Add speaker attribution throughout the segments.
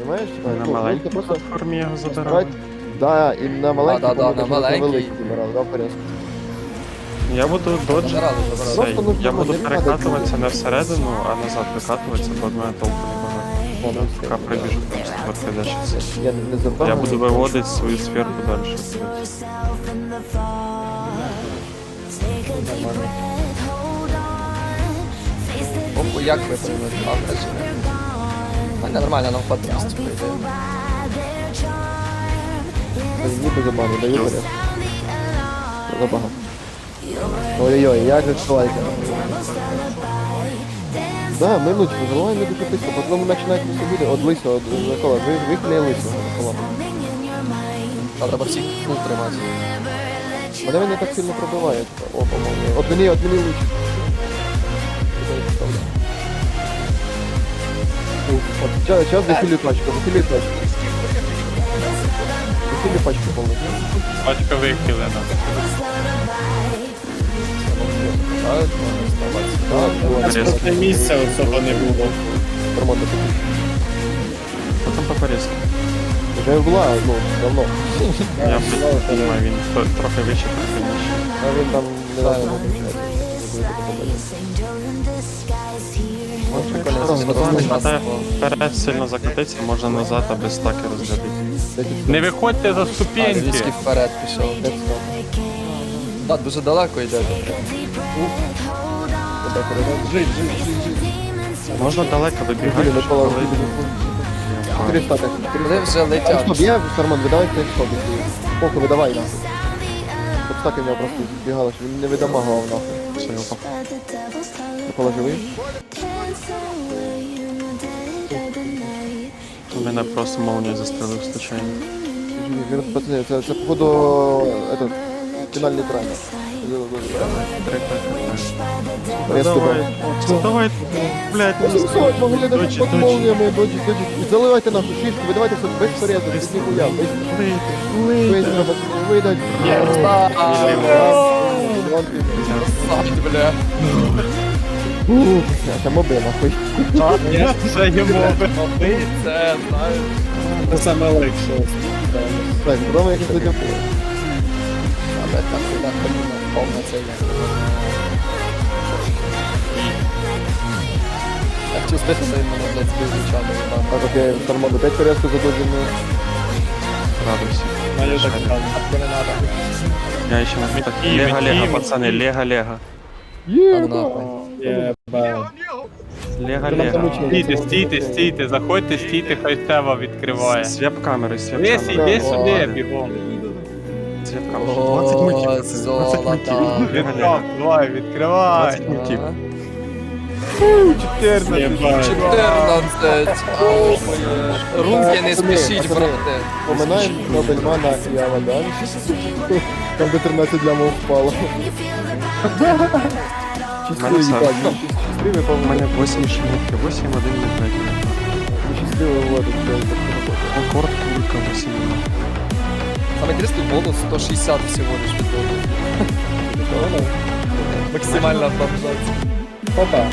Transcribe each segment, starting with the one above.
Speaker 1: понимаєш?
Speaker 2: На
Speaker 1: Ну,
Speaker 2: маленькій
Speaker 1: ти просто
Speaker 2: платформі його забирали.
Speaker 1: брать, да, і на маленькій,
Speaker 3: Да,
Speaker 1: по-моєму,
Speaker 3: на
Speaker 1: даже на
Speaker 3: маленькій.
Speaker 1: великій забирали, да, в порядку.
Speaker 2: Я буду доджити.
Speaker 3: Забирали.
Speaker 1: Просто нужно,
Speaker 2: Я буду
Speaker 1: не надо
Speaker 2: перекатуватися
Speaker 1: люди.
Speaker 2: не всередину, а назад викатуватися, бо в мене толку не багато.
Speaker 1: Ладно,
Speaker 2: Поки прибіжу просто подкидашся.
Speaker 1: Я не забрав.
Speaker 2: Я буду виводити свою сферку далі.
Speaker 3: Оху, як ви приймете? А, нормально, нам хватить місця прийде.
Speaker 1: Ніби забану, даю порядок. Забагато. Ой-ой-ой, як же чоловіка. Да, минутку, заливай не дуже близько, потім починають собі від лисого, від Микола, вихліє лисого, Микола.
Speaker 3: Та треба всіх фул тримати.
Speaker 1: Мене вони так сильно пробивають. О, по-моєму. От мені лучше. Сейчас захилю пачку, захилю пачку. Захилю пачку повністю.
Speaker 4: Пачка вихилена. Просто місця особо не було.
Speaker 1: Нормально.
Speaker 2: Потім по порізку.
Speaker 1: Вже була, ну, давно.
Speaker 2: Я думаю, він трохи вище, трохи нижче.
Speaker 1: А він там не знаю, не виключається.
Speaker 2: Просто не хватає вперед сильно закатитися, можна назад, а без стаки розглядати.
Speaker 4: Не виходьте за
Speaker 3: А,
Speaker 4: ступеньки.
Speaker 3: Львівський вперед пішов. Да, дуже далеко йдете.
Speaker 2: Можна далеко вибігати,
Speaker 1: Вибігли,
Speaker 2: щоб
Speaker 1: Микола,
Speaker 2: коли...
Speaker 1: Три стати.
Speaker 3: Вони вже летять.
Speaker 1: Стоп, є Сарман, видавай цей стоп. Поки видавай нахуй. Щоб стаки в нього просто збігали, щоб він не видамагував нахуй.
Speaker 2: Все, його
Speaker 1: Микола живий?
Speaker 2: мене просто молнію застрелив случайно.
Speaker 1: Живі, пацани, це походу этот, фінальний трайм.
Speaker 2: Давай, блядь,
Speaker 1: Могли даже
Speaker 2: Доджі,
Speaker 1: под
Speaker 2: доджі.
Speaker 1: молниями, доджі. Заливайте нахуй шишку, видавайте все без порезу, без ніхуя, без треба видать.
Speaker 3: Бля.
Speaker 1: Це моби нахуй.
Speaker 4: Я вже йому
Speaker 3: Ти це, знаєш.
Speaker 4: Це саме легше.
Speaker 1: Так, куди ми якось зайдемо?
Speaker 3: Але так сюди ходимо, повна це є. Я хотів збити, але він мене, блядь, збив нічого не вибав.
Speaker 1: Так, окей, Сарман, опять порезку задоджено.
Speaker 2: Радуйся.
Speaker 4: Мене так там.
Speaker 3: Не надо.
Speaker 2: Я ще не так. Лего-лего, пацани, лего-лего.
Speaker 3: Там нахуй.
Speaker 4: Єба.
Speaker 2: Лего-лего.
Speaker 4: Стійте, заходьте, стійте, хай Сева відкриває.
Speaker 2: Свеп камери, свеп
Speaker 4: Лесі,
Speaker 2: камери.
Speaker 4: йди сюди, бігом.
Speaker 2: Свеп камери. 20 мультів. 20
Speaker 3: золото.
Speaker 2: мультів. Лего-лего.
Speaker 4: Давай, відкривай.
Speaker 2: 20 мультів.
Speaker 4: 14.
Speaker 3: 14. Руки не спішіть, брате.
Speaker 1: Поминаємо Нобельмана і Авадан. Там до 13 лямов впало. Щасливі,
Speaker 2: Мене
Speaker 1: так,
Speaker 2: сам.
Speaker 1: щасливі,
Speaker 2: У мене 8 шмітки, 8, 1, 5.
Speaker 1: щасливі вводить.
Speaker 2: Рекорд кулька 8.
Speaker 3: Саме інтересний бонус 160 всього лиш відводить. Максимальна автоматизація.
Speaker 4: Опа.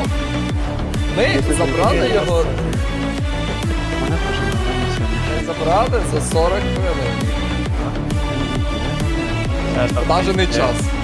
Speaker 3: Ми забрали його,
Speaker 2: У мене теж нормально
Speaker 3: забрали за 40 хвилин. Навіть не час.